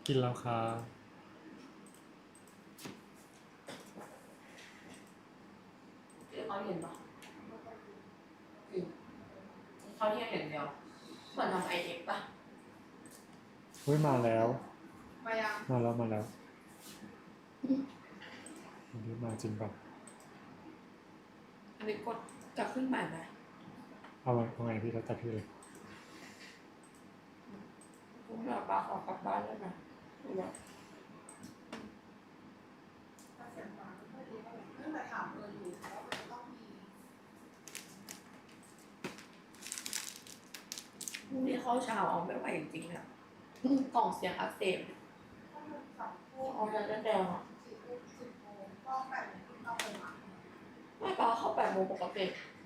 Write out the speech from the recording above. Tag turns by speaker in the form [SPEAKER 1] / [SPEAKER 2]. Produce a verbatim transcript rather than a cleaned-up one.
[SPEAKER 1] กินแล้วค่ะ
[SPEAKER 2] เดี๋ยวเขาเห็นปะอืมเขาที่เห็นเดียวเหมือนทำไอเอ็กปะ
[SPEAKER 1] เฮ้ยมาแล้ว
[SPEAKER 2] มายัง
[SPEAKER 1] มาแล้วมาแล้วอันนี้มาจริงป่ะ
[SPEAKER 2] อันนี้กดจะขึ้นใหม่ไหม
[SPEAKER 1] เอาไงเอาไงพี่แล้วแต่พี่เลย
[SPEAKER 2] คุณแม่ป้าขอกลับบ้านได้ไหมหรือว่า
[SPEAKER 3] ตั้งแต่ถามเอออยู่ว่ามันจะต้องมี
[SPEAKER 2] พรุ่งนี้เข้าเช้าเอาไม่ไหวจริงๆอะกล่องเสียงอักเสบ
[SPEAKER 3] ถ้ามันสองทุ่ม
[SPEAKER 2] เอาแดงแดงๆอะ
[SPEAKER 3] สี่ทุ่มสิบโมงก็แปดโมงครึ่งเข้าไปมา
[SPEAKER 2] ไม่ป้าเข้าแปดโมงปกติ